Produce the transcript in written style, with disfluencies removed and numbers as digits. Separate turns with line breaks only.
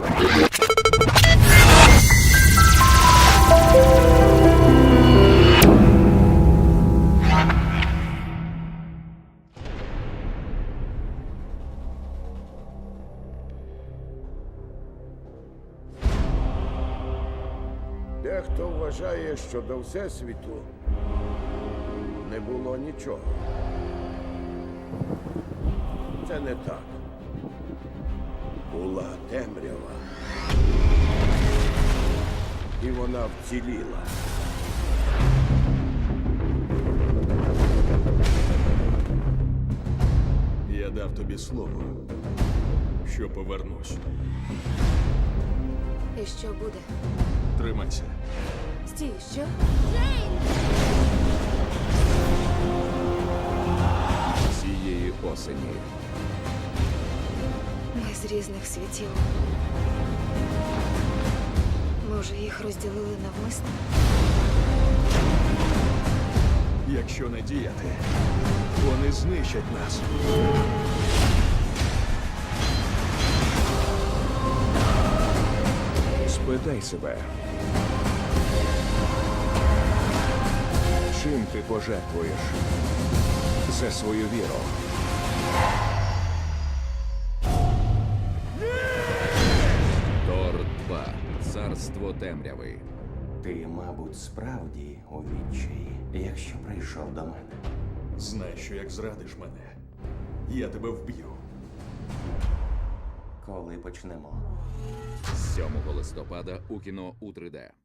Дехто вважає, що до Всесвіту не було нічого. Це не так. Була темрява. І вона вціліла.
Я дав тобі слово, що повернусь.
І що буде?
Тримайся.
Стій, що?
Цієї осені
Ми з різних світів. Може, їх розділили навмисно?
Якщо не діяти, вони знищать нас.
спитай себе. Чим ти пожертвуєш за свою віру? Тор 2. Царство темряви.
Ти, мабуть, справді у відчаї, якщо прийшов до мене.
Знай, що як зрадиш мене, я тебе вб'ю.
Коли почнемо?
7 листопада у кіно у 3D.